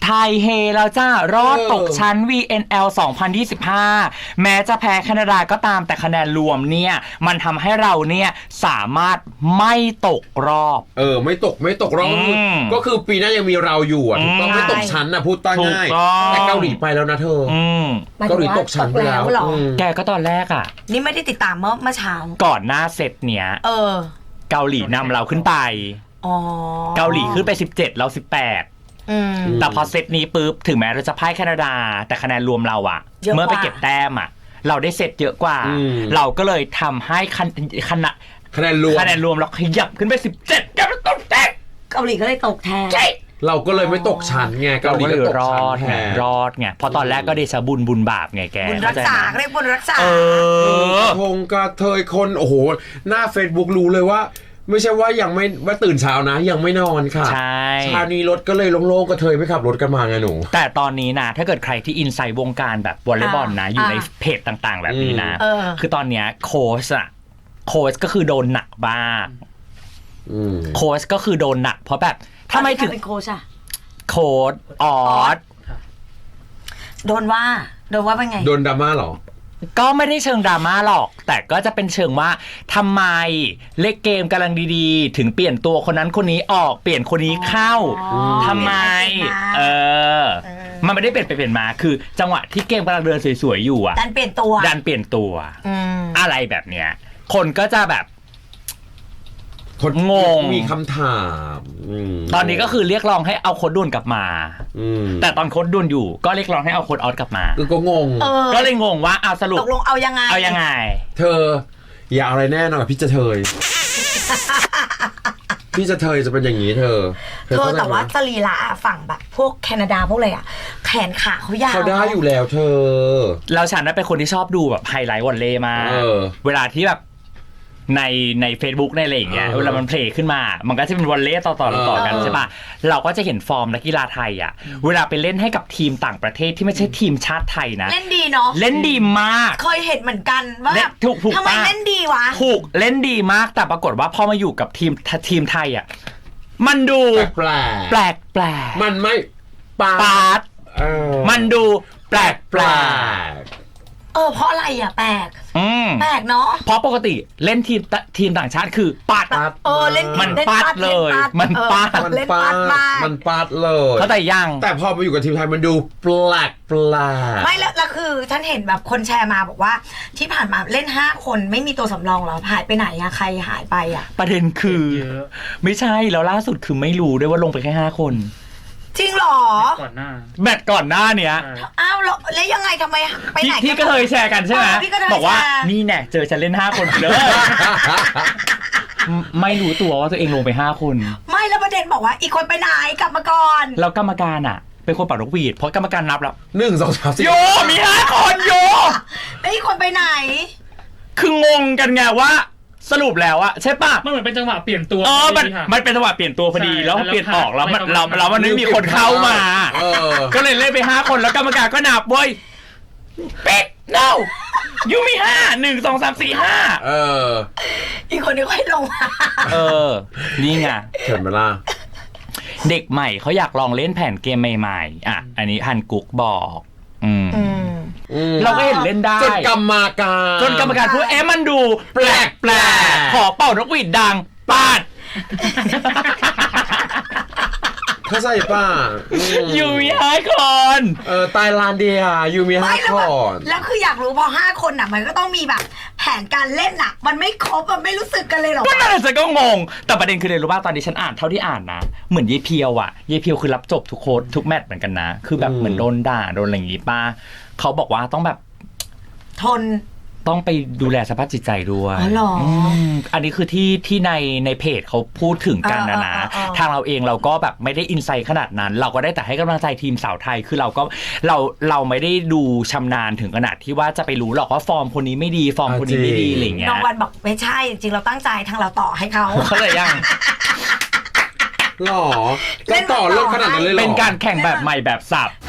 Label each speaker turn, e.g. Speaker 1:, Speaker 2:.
Speaker 1: ไทยเฮแล้วจ้ารอดตกชั้น VNL 2025 แม้จะแพ้แคนาดาก็ตามแต่คะแนนรวมเนี่ยมันทำให้เราเนี่ยสามารถไม่ตกรอบ
Speaker 2: ไม่ตกรอบก็คือปีหน้ายังมีเราอยู่อ่ะถูกต้องไม่ตกชั้นนะพูดตั้งง่ายแต่เกาหลีไปแล้วนะเธอเกาหลีตกชั้นไปแล้ว
Speaker 1: แกก็ตอนแรกอ่ะ
Speaker 3: นี่ไม่ได้ติดตามเมื่อเช้า
Speaker 1: ก่อนหน้าเซตเนี้ยเกาหลีนำเราขึ้นไปเกาหลีขึ้นไป17เรา18แต่พอเซตนี้ปุ๊บถึงแม้เราจะพ่ายแคนาดาแต่คะแนนรวมเราอะเมื่อไปเก็บแต้มอะเราได้เซตเยอะกว่าเราก็เลยทำให้คะแนนรวมเราขยับขึ้นไป17แกมันตกแตก
Speaker 3: เกาหลีก็เลยตกแทน
Speaker 2: เราก็เลยไม่ตกชั้นไงเกาหลีก็ตกชั้นแทน
Speaker 1: รอดไงพอตอนแรกก็เดชะบุญบาปไงแก
Speaker 3: บุญรักษาเรียกบุญรักษา
Speaker 2: คงกระเทยคนโอ้โหหน้า Facebook รู้เลยว่าไม่ใช่ว่ายังไม่ว่าตื่นเช้านะยังไม่นอนค่ะ
Speaker 1: ใช่
Speaker 2: เช้านี้รถก็เลยโล่งๆกระเทยไม่ขับรถกันมาไงหนู
Speaker 1: แต่ตอนนี้นะถ้าเกิดใครที่อินไซด์วงการแบบวอลเลย์บอลนะอยู่ในเพจต่างๆแบบนี้นะคือตอนเนี้ยโค้ชก็คือโดนหนักบ้างโค้ชก็คือโดนหนักเพราะแบบทำไมถึง
Speaker 3: เป็นโค้ชอะ
Speaker 1: โค้ชออส
Speaker 3: โดนว่าเป็นไง
Speaker 2: โดนดราม่าหรอ
Speaker 1: ก็ไม่ได้เชิงดราม่าหรอกแต่ก็จะเป็นเชิงว่าทำไมเล่นเกมกำลังดีๆถึงเปลี่ยนตัวคนนั้นคนนี้ออกเปลี่ยนคนนี้เข้าทำไมมันไม่ได้เปลี่ยนไปเปลี่ยนมาคือจังหวะที่เกมกำลังเดินสวยๆอยู่อ่ะ
Speaker 3: ดันเปลี่ยนตัว
Speaker 1: อะไรแบบเนี้ยคนก็จะแบบ
Speaker 2: คน
Speaker 1: งง
Speaker 2: มีคำถาม
Speaker 1: ตอนนี้ก็คือเรียกร้องให้เอาโค้ดดุนกลับมาแต่ตอนโค้ดดุนอยู่ก็เรียกร้องให้เอาโค้ดออสกลับมา
Speaker 2: ก็งง
Speaker 1: ก็เลยงงว่าเอาสรุป
Speaker 3: ตกลงเอายังไง
Speaker 2: เธออย่าอะไรแน่นอนพี่จะเทยพี่จะเทยจะเป็นอย่างนี้เธอ
Speaker 3: แต่ว่าสรีระฝั่งแบบพวกแคนาดาพวกอะไรอ่ะแขนขาเขายาว
Speaker 2: เขาได้อยู่แล้วเธอ
Speaker 1: แล้วฉันน่ะเป็นคนที่ชอบดูแบบไฮไลท์วอลเลย์มากเวลาที่แบบใน Facebook ในอะไรอย่างเงี้ยเวลามันเพลย์ขึ้นมามันก็จะเป็นวอลเลย์ต่อกันใช่ป่ะเราก็จะเห็นฟอร์มนักกีฬาไทยอ่ะเวลาไปเล่นให้กับทีมต่างประเทศที่ไม่ใช่ทีมชาติไทยนะ
Speaker 3: เล่นดีเนาะ
Speaker 1: เล่นดีมาก
Speaker 3: เคยเห็นเหมือนกันว่า
Speaker 1: ถูก
Speaker 3: ทำไมเล่นดีวะ
Speaker 1: ถูกเล่นดีมากแต่ปรากฏว่าพอมาอยู่กับทีมไทยอ่ะมันดู
Speaker 2: แปลกมันไม่ปาด
Speaker 1: มันดูแปลก
Speaker 3: เพราะอะไรอ่ะแปลกเนาะ
Speaker 1: เพราะปกติเล่นทีมต่างชาติคือปัด
Speaker 3: เล่น
Speaker 1: มันปัดเลยมันปัดเลยเข้าใจยัง
Speaker 2: แต่พอมาอยู่กับทีมไทยมันดูแปลก
Speaker 3: ไม่แล้วคือฉันเห็นแบบคนแชร์มาบอกว่าที่ผ่านมาเล่น5คนไม่มีตัวสำรองหรอหายไปไหนอะใครหายไปอะ
Speaker 1: ประเด็นคือไม่ใช่แล้วล่าสุดคือไม่รู้ด้วยว่าลงไปแค่5คน
Speaker 3: จริงหรอ
Speaker 1: แมตช์ก่อนหน้าเนี้ย
Speaker 3: อ้าวแล้วยังไงทำไมไปไหน
Speaker 1: ที่ก็เคยแชร์กันใช่ไหมบอกว่านี่แน่เจอฉันเล่น5คนเลยไม่รู้ตัวว่าตัวเองลงไป5คน
Speaker 3: ไม่แล้วประเด็นบอกว่าอีกคนไปไหนกลับมาก่อน
Speaker 1: แล้วกรรมการอ่ะเป็นคนเป่านกหวีดเพราะกรรมการนับแล้ว
Speaker 2: 1 2 3 4
Speaker 1: โยมี5คนโย
Speaker 3: แล้วอีกคนไปไหน
Speaker 1: คืองงกันไงว่าสรุปแล้วอะใช่ป่ะ
Speaker 4: มันเหมือนเป็นจังหวะเปลี่ยนตัว
Speaker 1: มันเป็นจังหวะเปลี่ยนตัวพอดีแล้วเปลี่ยนออกแล้วมันไม่มีคนเข้ามาก็เลยเล่นไป5คนแล้วกรรมการก็นับเว้ยเป็ด no ยูมี5 1 2 3 4
Speaker 3: 5อีกคนนึงค่อยลงมา
Speaker 1: นี่ไง
Speaker 2: เห็นไหมล่ะ
Speaker 1: เด็กใหม่เขาอยากลองเล่นแผนเกมใหม่ๆอ่ะอันนี้ฮันกุ๊กบอกเราก็เห็นเล่นได้
Speaker 2: จนกรรม
Speaker 1: การพูดมันดูแปลกขอเป่านกหวีดดังปาด
Speaker 2: เขาใส่ป่ะ
Speaker 1: ยูมี5 คน
Speaker 2: ไตแลนด์เดียยูมี5 คน
Speaker 3: แล้วคืออยากรู้พอ5 คนน่ะมันก็ต้องมีแบบแผนการเล่นน่ะมันไม่ครบมันไม่รู้สึกกันเลยหรอ
Speaker 1: ก็นั่นแหละฉันก็งงแต่ประเด็นคือเลยรู้ป่ะตอนนี้ฉันอ่านเท่าที่อ่านนะเหมือนเยเพียวอ่ะเยเพียวคือรับจบทุกโค้ดทุกแมตช์เหมือนกันนะคือแบบเหมือนโดนด่าโดนอะไรอย่างงี้ป่ะเขาบอกว่าต้องแบบ
Speaker 3: ทน
Speaker 1: ต้องไปดูแลสภาพจิตใจด้วยอันนี้คือที่ในเพจเขาพูดถึงกันนะทางเราเองเราก็แบบไม่ได้อินไซต์ขนาดนั้นเราก็ได้แต่ให้กำลังใจทีมสาวไทยคือเราไม่ได้ดูชำนาญถึงขนาดที่ว่าจะไปรู้หรอกว่าฟอร์มคนนี้ไม่ดีฟอร์มคนนี้ไม่ดีอะไรเงี้ย
Speaker 3: น้องวันบอกไม่ใช่จริงเราตั้งใจทางเราต่อให้เขา
Speaker 1: เลยยัง
Speaker 2: หรอเล่นต่อเรื่องขนาดนั้นเลยหรอ
Speaker 1: เป็นการแข่งแบบใหม่แบบสับ